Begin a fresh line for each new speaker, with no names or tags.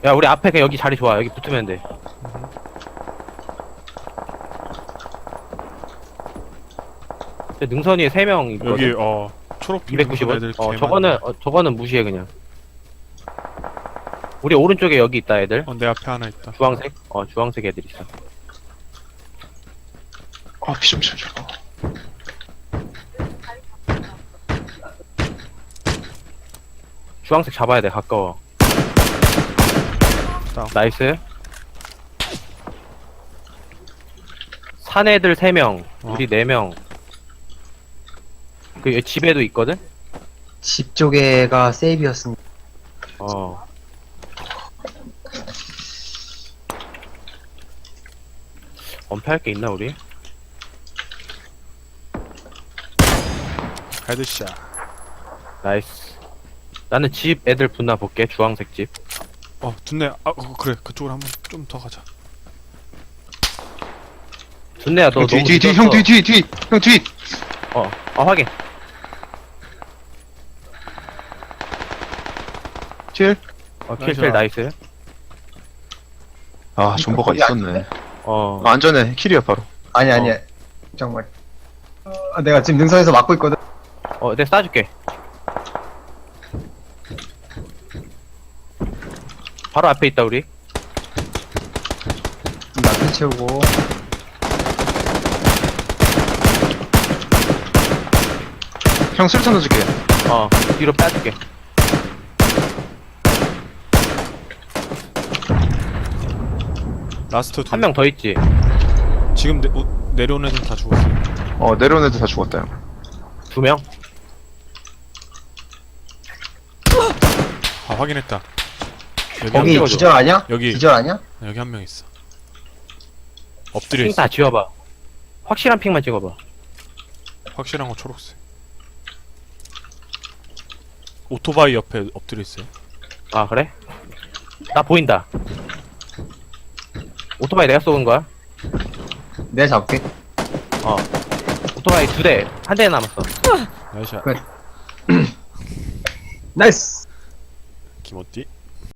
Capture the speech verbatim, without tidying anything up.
야 우리 앞에 그 여기 자리 좋아. 여기 붙으면 돼. 저 능선 위에 세 명 있거든.
여기 어 초록
이백구십 원?
애들
어
개
저거는
많네.
어, 저거는 무시해 그냥. 우리 오른쪽에 여기 있다 애들.
어, 내 앞에 하나 있다.
주황색? 어 주황색 애들 있어.
아, 피 좀 쳐줘.
주황색 잡아야 돼 가까워.
다운.
나이스. 산 애들 세 명,
어.
우리 네 명. 그 집에도 있거든?
집 쪽에가 세이브였습니다.
어. 엄폐할 게 있나 우리?
헤드샷.
나이스. 나는 집 애들 붙나 볼게. 주황색 집.
어, 둔내. 아, 어, 그래. 그쪽으로 한번 좀 더 가자.
준내야 너
형, 뒤,
너무
뒤, 뒤,
늦었어.
형, 뒤, 뒤, 뒤. 형, 뒤.
어, 어 확인.
칠.
어 킬킬 나이스.
아, 존버가
거기 안
있었네.
어.
아, 안전해. 킬이야, 바로.
아니, 아니,
어.
정말. 어, 내가 지금 능선에서 막고 있거든.
어 내가 쏴줄게. 바로 앞에 있다 우리.
나피 채우고.
형, 술탄 넣어줄게.
어 뒤로 빼줄게.
라스트 두.
한 명 더 있지.
지금 내, 어, 내려온 애들 다 죽었어요.
어, 내려온 애들 다 죽었다, 형.
두 명.
아, 확인했다. 여기 한
거기
명.
찍어줘.
기절 아니야?
여기.
기절 아니야?
여기 한 명 있어. 엎드려
핑
있어.
다 지워봐. 확실한 핑만 찍어봐.
확실한 거 초록색. 오토바이 옆에 엎드려 있어요.
아 그래? 나 보인다. 오토바이 내가 쏘은 거야?
내가 잡게.
어. 오토바이 두 대, 한 대 남았어.
나이샷.
그래. 나이스!
김어띠.